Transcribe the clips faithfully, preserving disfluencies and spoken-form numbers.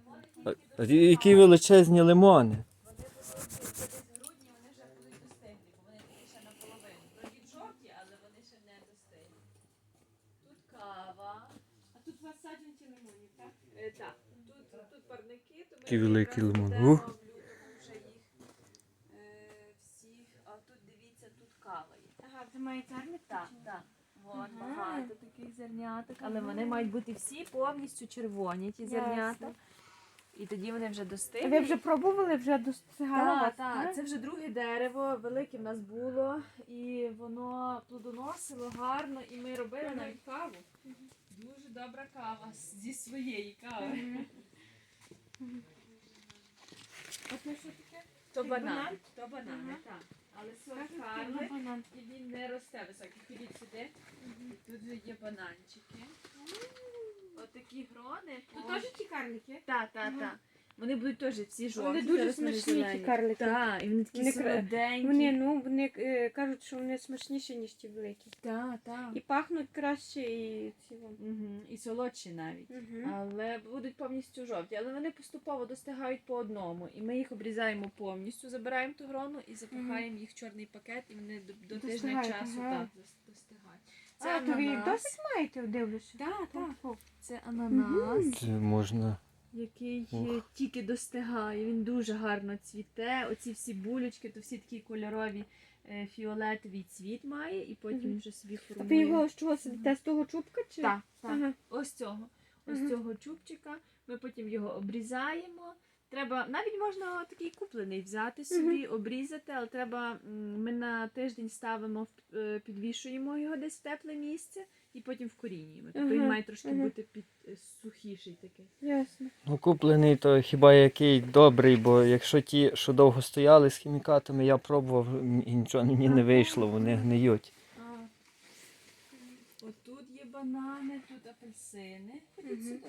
А- а Які величезні лимони. Вони великі, це десь в грудні вони вже будуть достиглі, бо вони такі ще наполовину. Вроді жовті, але вони ще не достиглі. Тут кава. А тут у вас саджанці лимонів, так? Е, так, тут, тут парники, то ми Який великий якраз лимон. будемо Ух. в лютому вже їх е, всіх. А тут дивіться, тут кава є. Ага, це має царник? Так, так. Вон Ага. багато таких зерняток, але Ага. вони мають бути всі повністю червоні, ті зернята. Ясно. І тоді вони вже А достигли. ви вже пробували, вже достигало Так, вас? так, це вже друге дерево, велике в нас було, і воно плодоносило гарно, і ми робили Мгм. навіть каву. Дуже добра кава з- зі своєї кави. Мгм. А це що таке? То Як банан, банан? то банани, Ага. так. Але сорт Кажуть, гарний, це банан. і він не росте високий. Ходіть сюди. І тут же є бананчики. Отакі грони. Тут теж ті карлики? Так, так, Ага. так. Вони будуть теж всі жовті. Вони дуже зараз вони смачні, ті зелені. карлики. Так, і вони такі Вони кра- солоденькі. Вони, ну, вони е, кажуть, що вони смачніші, ніж ті великі. Так, так. І пахнуть краще, і ці вон. Угу. І солодші навіть. Мгм. Але будуть повністю жовті. Але вони поступово достигають по одному. І ми їх обрізаємо повністю, забираємо ту грону і запихаємо їх в чорний пакет, і вони до, до тижня Достигають, часу ага. так, дос- достигають. Це А, то ви їх ананас. досить маєте, дивлюся? Так, так. О, Це ананас, Це можна. який Ух. е, тільки достигає. Він дуже гарно цвіте. Оці всі булючки, то всі такі кольорові е, фіолетовий цвіт має, і потім Мгм. він вже собі А ви формує. його з чого сидите? З того чубка чи? Так, так. Ага. Ось цього. Ось Мгм. цього чубчика. Ми потім його обрізаємо. Треба, навіть можна такий куплений взяти собі, обрізати, але треба, м, ми на тиждень ставимо, в- е, підвішуємо його десь в тепле місце і потім вкорінюємо. Тобто він Ага, має трошки ага. бути під е, сухіший такий. Ясно. Ну, куплений то хіба який добрий, бо якщо ті, що довго стояли з хімікатами, я пробував і нічого мені не вийшло, вони гниють. А, отут є банани, тут апельсини. Ходіть Мгм. сюди.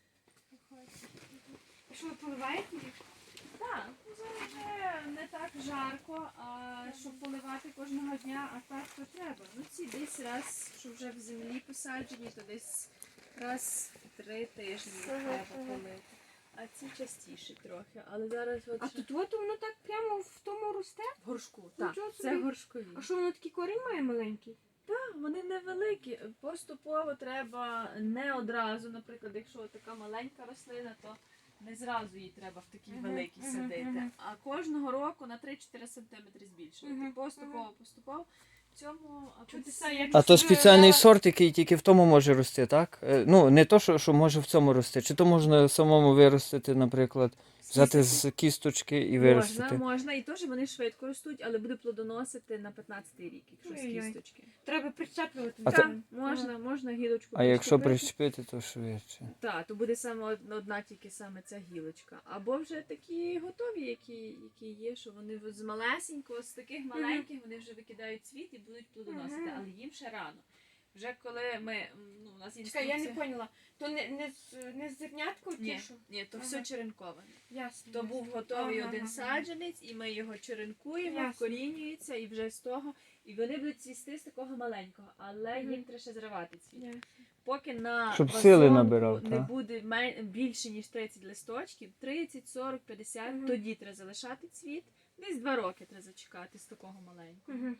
А що ви поливаєте їх? Так, ну, зараз вже не так жарко, а щоб поливати кожного дня, а так то треба. Ну ці десь раз, що вже в землі посаджені, то десь раз в три тижні їх Ага, треба ага. полити. А ці частіше трохи. Але зараз от А ще- тут от воно так прямо в тому росте? в горшку. Так, Нічого це собі. горшкові. А що воно такий корінь має маленький? Так, вони невеликі. Поступово треба не одразу, наприклад, якщо така маленька рослина, то не зразу її треба в такій Мгм, великій мгм, садити. мгм. А кожного року на три-чотири сантиметри збільшувати. Мгм, Поступово, поступово. В цьому Чудеса, апельсин- як- А то Щоб, спеціальний е, сорт, який тільки в тому може рости, так? Е, Ну, не то, що, що може в цьому рости. Чи то можна самому виростити, наприклад, взяти з кісточки і виростити? Можна, можна, і теж вони швидко ростуть, але буде плодоносити на п'ятнадцятий рік, якщо з Ой-ой. кісточки. Треба прищеплювати. А Так, то- можна, можна гілочку А якщо прищепити. прищепити, то швидше. Так, то буде саме од- одна тільки саме ця гілочка. Або вже такі готові, які, які є, що вони в- з малесенького, з таких маленьких вони вже викидають цвіт і будуть плодоносити, Мгм. але їм ще рано. Вже коли ми, м, ну, у нас Чекай, інструкція... я не поняла. То не, не, з, не з зернятко ті, Ні, що? ні, то Ага. все черенковане. Ясно. То ясно. був готовий Ага, один ага. саджанець, і ми його черенкуємо, Ясно. вкорінюється, і вже з того, і вони будуть цвісти з такого маленького, але Мгм. їм треба ще зривати цвіт. Ясно. Поки на Щоб сили вазонку набирав, не та? буде мен- більше, ніж тридцять листочків, тридцять, сорок, п'ятдесят, Мгм. тоді треба залишати цвіт. Десь два роки треба зачекати з такого маленького. Мгм.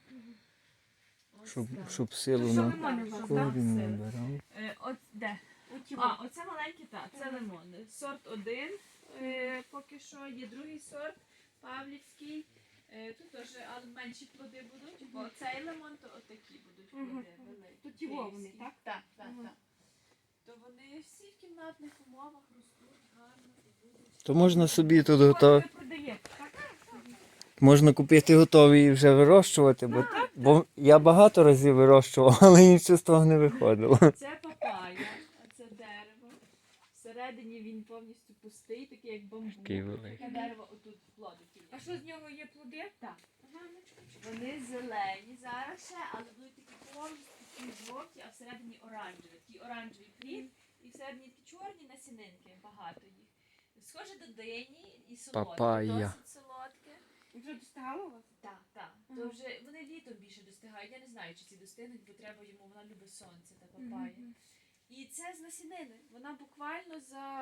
Ось Щоб, так. щоб силу що на лимони у вас, корінь так? набирав. Е, от де? Оті А, от. оце маленький, так, це Ага. лимон. Сорт один е, поки що, є другий сорт, Павлівський. Е, тут теж але менші плоди будуть, бо цей лимон, то отакі будуть Мгм. плоди великі. То ті вовни, київські. так? Так, так, Ага. так. То вони всі в кімнатних умовах ростуть гарно і будуть. То можна собі тут От готові. ви продаєте, так? Можна купити готові і вже вирощувати, бо, бо я багато разів вирощував, але нічого з того не виходило. Це папая, а це дерево. Всередині він повністю пустий, такий як бамбук. Такий великий. Таке дерево отут плодики є. А що з нього є плоди? Так. Ага, ну чекай. Вони зелені зараз ще, але будуть такі повністю такі жовті, а всередині оранжеві. Такий оранжевий плід, і всередині такі чорні насінинки, багато їх. Схоже до дині і солодке, Папайя. досить солодке. Вже достигало у вас? Так, так. Ага. То вже вони літом більше достигають. Я не знаю, чи ці достигнуть, бо треба йому, вона любить сонце та папая. Мгм. І це з насінини. Вона буквально за півтора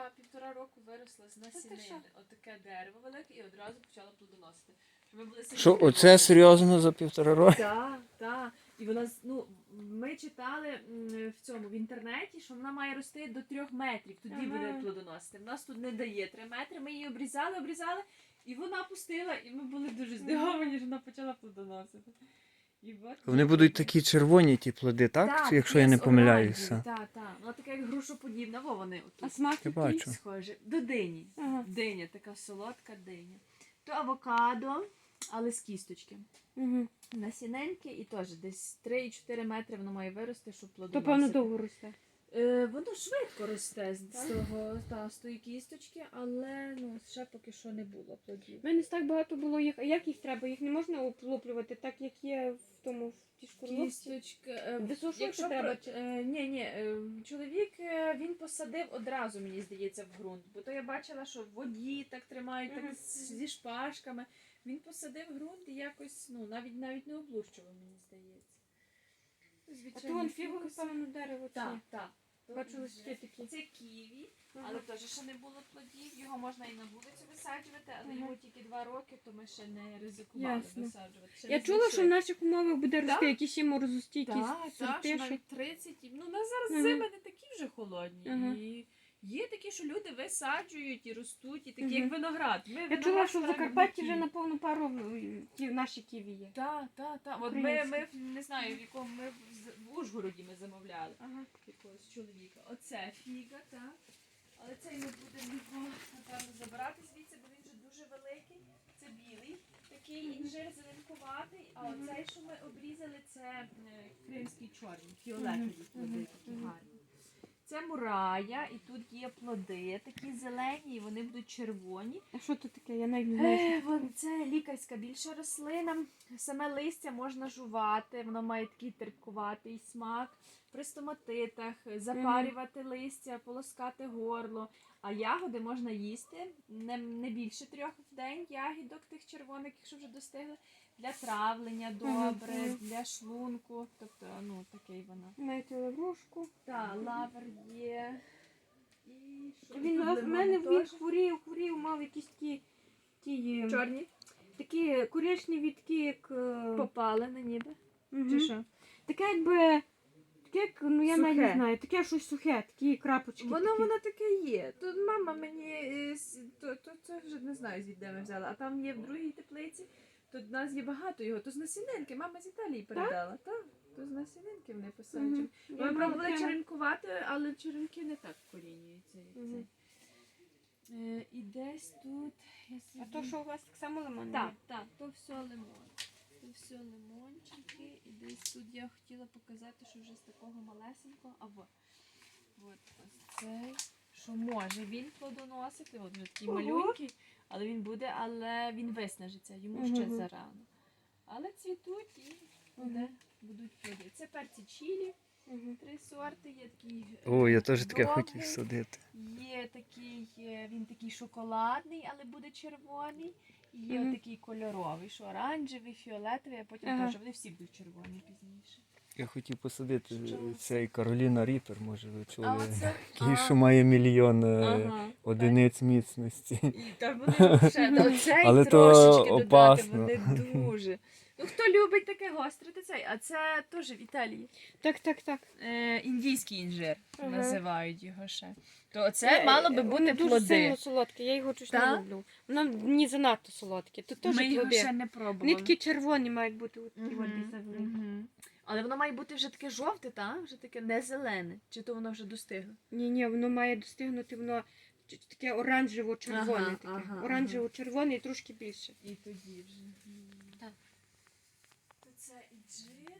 півтора року виросло з ти насінини. що? Отаке дерево велике і одразу почало плодоносити. Ми були сильно Що, здивовані. оце серйозно за півтора року? Так, так. І вона, з- ну, ми читали м, в цьому в інтернеті, що вона має рости до трьох метрів, тоді Ага. буде плодоносити. В нас тут не дає три метри, ми її обрізали, обрізали, і вона пустила, і ми були дуже здивовані, що вона почала плодоносити. І от Вони є будуть таке. такі червоні, ті плоди, так? Так, Чи якщо я не помиляюся. Так, так. Ну, таке як грушоподібна, во вони А отут. смак Я який? бачу. Схоже. До дині. Ага. Диня, така солодка диня. То авокадо, але з кісточки. Угу. Насіненьке і теж десь три-чотири метри воно має вирости, щоб То, плодоносити. певно, довго росте. Е, воно швидко росте з Так? того, та, з тої кісточки, але ну, ще поки що не було плодів. У мене так багато було їх. А як їх треба? Їх не можна облуплювати, так як є в тому в тій шкурлупці? Кісточка. е, Висушувати якщо треба? про- е, ні, ні, е, чоловік е, він посадив одразу, мені здається, в ґрунт. Бо то я бачила, що в воді так тримають, Мгм. так з- зі шпажками. Він посадив ґрунт і якось, ну, навіть навіть не облущував, мені здається. А Звичайно, то вон фігове, певно, дерево. чи Так, ні? так. Бачу, листки такі. Це ківі, Ага. але теж ще не було плодів. Його можна і на вулицю висаджувати, але Ага. йому тільки два роки, то ми ще не ризикували Ясно. висаджувати. Ще Я не чула, що в знайшли. наших умовах буде рости Так. якісь і морозостійкі Так, так, що сорти. що- навіть тридцять. Ну, у нас зараз Ага. зими не такі вже холодні. Ага. І є такі, що люди висаджують і ростуть, і такі, Мгм. як виноград. Ми Я виноград чула, що в збираємо Закарпатті в вже Києві. на повну пару м, ті наші ківі є. Так, так, так. От ми, Українські. ми в- не знаю, в якому ми в З- в Ужгороді ми замовляли. Ага. Якогось чоловіка. Оце фіга, так. Але цей ми будемо його, напевно, забирати звідси, бо він вже дуже великий. Це білий, такий інжир зеленкуватий, а Мгм. оцей, що ми обрізали, це е, кримський чорний, фіолетові плоди, Мгм. такі Мгм. гарні. Це мурая, і тут є плоди, такі зелені, і вони будуть червоні. А що тут таке? Я навіть не знаю. Е, вон- Це лікарська більша рослина. Саме листя можна жувати, воно має такий терпкуватий смак. При стоматитах, запарювати листя, полоскати горло. А ягоди можна їсти не, не більше трьох в день ягідок тих червоних, якщо вже достигли. Для травлення добре, мгм. для шлунку. Тобто, ну, такий воно. Маєте лаврушку. Так, лавр є. І що? Він Тут у лимон мене він теж. хворів, хворів, мав якісь такі, ті, е, Чорні? такі коричневі, такі як. е, Попалені ніби. мгм. Чи що? Таке якби. Таке, як, ну я навіть не Сухе. знаю, таке щось сухе, такі крапочки. Воно такі. воно таке є. Тут мама мені е, с- то, то, це вже не знаю звідде ми взяла. А там є в другій теплиці. Тут в нас є багато його. То з насінинки. Мама з Італії передала. Так, то з насінинки вони посаджені. Мгм. Я Ми мала пробували прямо- черенкувати, але черенки не так вкорінюються. як Мгм. цей. Е, і десь тут. Я А собі... то, що у вас так само лимон? Так, так, то все лимон. То все лимончики. І десь тут я хотіла показати, що вже з такого малесенького. А вот. От ось цей. Що може він плодоносити. От вже такий Ого. малюнький, але він буде, але він виснажиться, йому ще Мгм. зарано. Але цвітуть і буде, Мгм. будуть плоди. Це перці чилі, Мгм. три сорти, є такий. е, О, я теж таке довгий, хотів садити. Є такий, е, він такий шоколадний, але буде червоний. І є Мгм. такий кольоровий, що оранжевий, фіолетовий, а потім Ага. теж вони всі будуть червоні пізніше. Я хотів посадити Що? цей Кароліна Ріпер, може ви А чули. оце Такий, що має мільйон е, ага, одиниць міцності. І та вони вже до цей Але то трошечки додати, опасно. вони дуже. Ну хто любить таке гостре, то цей, а це теж в Італії. Так, так, так. Е, індійський інжир Ага. називають його ще. То це Е, мало би воно бути дуже плоди. сильно солодке, я його щось не Так? люблю. Воно мені занадто солодке. Тут теж Ми його плоди. ще не пробували. Вони такі червоні мають бути от такі Мгм, от завеликі. мгм. Але воно має бути вже таке жовте, та? Вже таке не зелене. Чи то воно вже достигло? Ні, ні, воно має достигнути, воно ч- таке оранжево-червоне. Ага, таке. ага, Оранжево-червоне і трошки більше. І тоді вже. Так. То це інжир.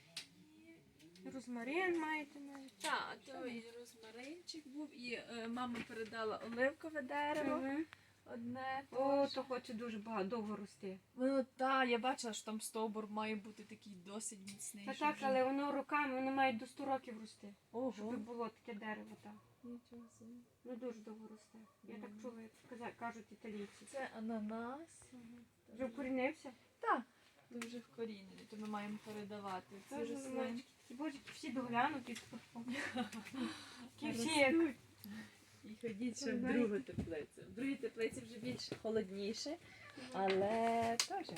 І... Розмарин маєте навіть. Так, то і розмаринчик був, і е, мама передала оливкове дерево. Мгм. Одне. О, теж. то хоче дуже багато, довго рости. Воно, так, я бачила, що там стовбур має бути такий досить міцний. Та щоб так, вже- але воно роками, воно має до сто років рости. Ого. Щоб було таке дерево, так. Нічого собі. Ну дуже довго росте. Я так Мгм. чула, як каза- кажуть італійці. Це ананас. Вже вкорінився? Так, дуже вкорінений, то ми маємо передавати. Ці Дуже рослинки. маленькі. Такі божики всі доглянуті. Такі всі Ростуть. як І ходіть ще в другу теплицю. В другій теплиці вже більш холодніше, але теж.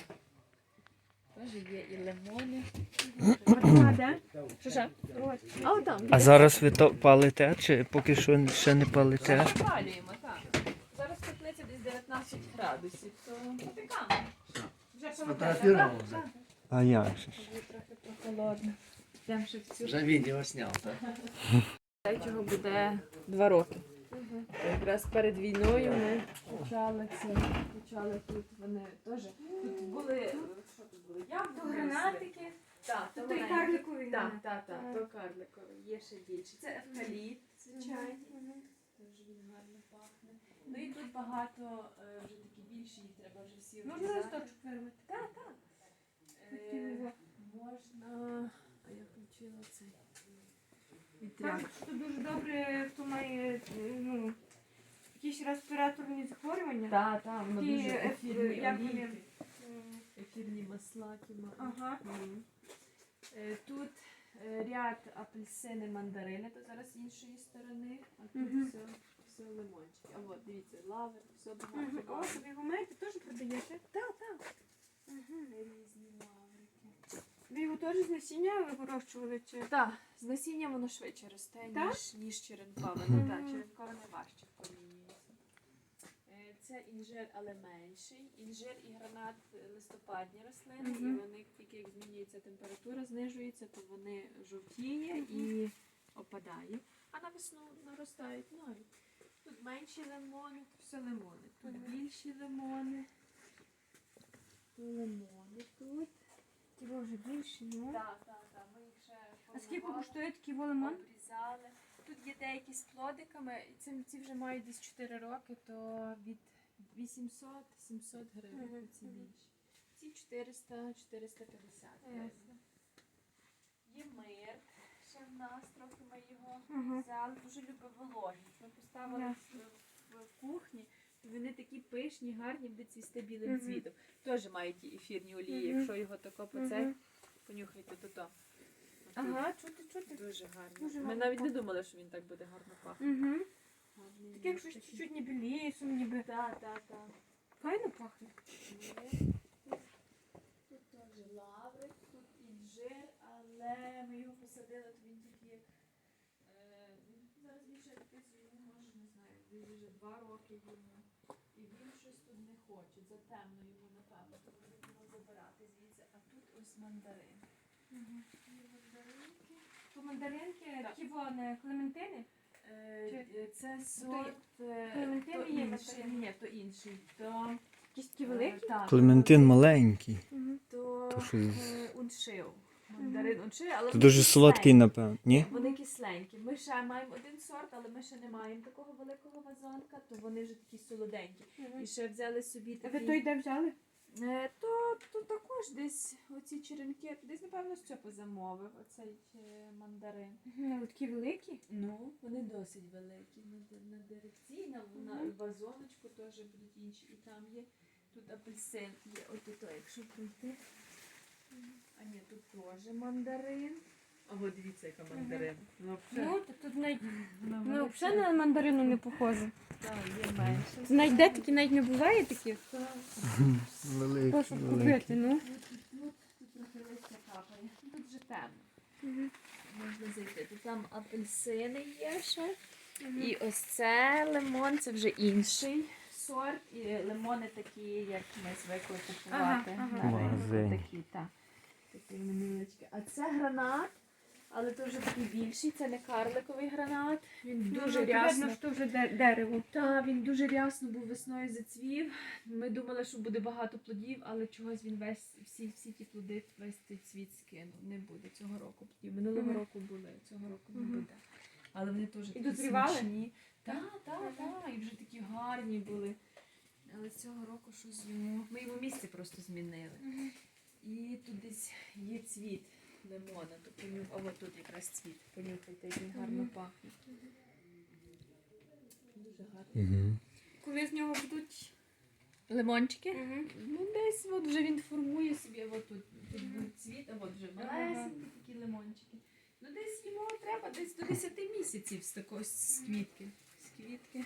Теж є і лимони. А де? Що ж? Ось. А отам. А зараз ви то палите, чи поки що ще не палите? Зараз палюємо, так. Зараз теплиця десь дев'ятнадцять градусів, то попікаємо. Вже Сфотографировал холодно, уже? так? А як же ж? Вже трохи прохолодно. Йдемо ще в цю. Уже видео снял, да? Цього буде два роки. Якраз перед війною ми почали це, почали тут вони теж. Тут були, е, що тут були? То Яблуки. гранатики, Так, то то той маленькі. карликовий Так, гранат. так, так, Ага. то карликовий, є ще більше. Це евкаліпт, звичайно. Мгм. Теж він гарно пахне. Ну і тут багато е, вже такі більші, їх треба вже всі Можна обрізати. листочок вирвати? Так, так. Е, Хотіла. можна. А я включила цей. Вітряк. Кажуть, що дуже добре, хто має е, ну, якісь респіраторні захворювання. Так, так, воно Такі, дуже е, ефірні як вони? олійки, М, ефірні масла, які мають. Ага. Мгм. Е, Тут е, ряд апельсини, мандарини, то зараз з іншої сторони, а тут Мгм. все, все лимончики. А от, дивіться, лавр, все Мгм. багато. О, лаври. собі ви маєте, теж продаєте? Так, так. Мгм. Різні лаврики. Ви його теж з насіння ви вирощували чи? Так, з насіння воно швидше росте, Так? ніж, ніж черенкове. Мгм. Ну так, черенкове найважче вкорінюється. Е, Це інжир, але менший. Інжир і гранат е, листопадні рослини, Мгм. і вони тільки як змінюється температура, знижується, то вони жовтіє і опадає. А на весну наростають нові. Тут менші лимони, тут все лимони. Тут Мгм. більші лимони. Тут лимони тут. Ті вже більше, ну. Так, так, так. Ми їх ще А скільки формували, коштує такий лимон? обрізали. Тут є деякі з плодиками, і ці, ці вже мають десь чотири роки, то від вісімсот-сімсот гривень Мгм, ці мгм. більші. Ці чотириста-чотириста п'ятдесят Ясно. гривень. Є мир, ще в нас трохи ми його Мгм. взяли, дуже любить вологість. Ми поставили Ясно. в, в кухні, то вони такі пишні, гарні, будуть цвісти білим Мгм. цвітом. Теж мають ті ефірні олії, Мгм. якщо його тако по цей, Мгм. понюхайте, то то. Ага, чути, чути. Дуже гарно. Дуже Ми гарно навіть не пахне. думали, що він так буде гарно пахнути. Угу. Гарний Таке, як він щось такий. чуть-чуть ніби лісом, ніби. Так, так, так. Файно пахне. Є. Тут теж лаврик, тут інжир, але ми його посадили, то він тільки як. е, він Зараз більше якийсь йому може, не знаю, десь вже два роки йому. І він щось тут не хоче. Затемно йому, напевно, то ми будемо забирати звідси. А тут ось мандарин. Угу. І мандаринки. То мандаринки, Так. такі вони, клементини? Е, Чи- е, Це сорт. е, Клементин то є інший. мандарин? Ні, то інший. То, Якісь такі е, великі? так, Клементин маленький. Угу. То, То що е, уншив. Мандарин уншив, але То вони дуже солодкий, кисленькі. напевно. Ні? Вони кисленькі. Ми ще маємо один сорт, але ми ще не маємо такого великого вазонка, то вони вже такі солоденькі. І ще взяли собі А ви такі... той де взяли? Е, То, то також десь оці черенки, десь напевно Стьопа замовив оцей е, мандарин. Угу. Такі великі? Ну, вони досить великі. На, де- на деревці, на, на Мгм. вазоночку теж будуть інші. І там є тут апельсин. Є от то, якщо пройти. А ні, тут теж мандарин. А от дивіться, яка мандарин. Ну, Ну, то тут навіть, вона ну, велика. взагалі на мандарину не похоже. Так, є менше. Навіть де такі навіть не буває таких? Так. Великий. Прошу купити, ну. Тут, тут, тут трохи листя капає. Тут вже темно. Угу. Можна зайти. Тут там апельсини є ще. І ось це лимон, це вже інший сорт. І лимони такі, як ми звикли купувати Ага, ага. на В магазині. ринку. Такі, так. Такі невеличкі. А це гранат, але це вже такий більший, це не карликовий гранат. Він дуже рясно. Видно, що вже де- дерево. Так, він дуже рясно був весною зацвів. Ми думали, що буде багато плодів, але чогось він весь, всі, всі ті плоди, весь цей цвіт скинув. Не буде цього року плодів. Минулого Мгм. року були, цього року не Мгм. буде. Але вони теж такі дозрівали? смачні. Так, так, так. І вже такі гарні були. Але цього року щось йому. Ми йому місце просто змінили. І тут десь є цвіт лимона. То понюх... А от тут якраз цвіт. Понюхайте, як він гарно Мгм. пахне. Дуже гарно. Угу. Коли з нього будуть. Лимончики? Угу. Ну, десь от вже він формує собі, от тут, тут був цвіт, а от вже Ага. малесенькі такі лимончики. Ну, десь йому треба десь до десяти місяців з такої з квітки. З квітки.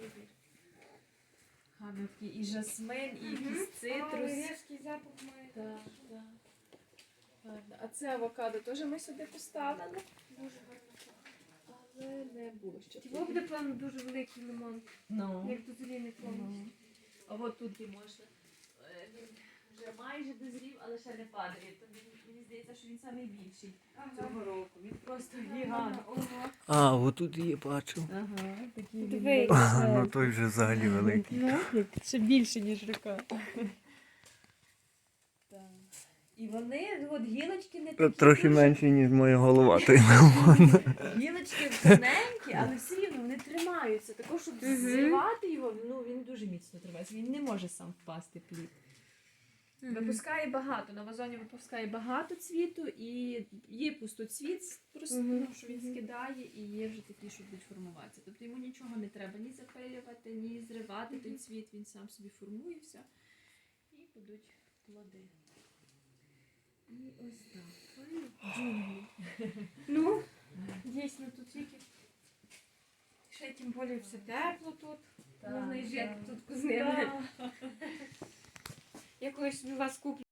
Гарно такий і жасмин, і якийсь Ой, цитрус. різкий запах має. Так, так. Гарно. А це авокадо теж ми сюди поставили, Дуже гарно. але не було ще. Його буде, певно, дуже великий лимон, Ну. як дозріний повністю. Мгм. А от тут і можна. Е, Він вже майже дозрів, але ще не падає. То він, мені здається, що він найбільший цього року. Він просто гігант. Ого. А, отут її бачив. Ага, такий Дивись. Ну той вже взагалі великий. Ну, ще більше, ніж рука. Так. І вони, от гілочки не такі. Трохи дуже- менше, ніж моя голова, той Гілочки тоненькі, але все рівно вони тримаються. Також, щоб Мгм. зривати його, ну він дуже міцно тримається. Він не може сам впасти плід. Випускає багато, на вазоні випускає багато цвіту і є пустоцвіт, просто Мгм. ну, що він скидає, і є вже такі, що будуть формуватися. Тобто йому нічого не треба ні запилювати, ні зривати той цвіт, він сам собі формується і будуть плоди. І ось так. Ой, джунглі. Ну, дійсно, тут тільки. Ще й тим більше все тепло тут. Так, Можна і жити так. тут з ними. Так. Я колись у вас куплю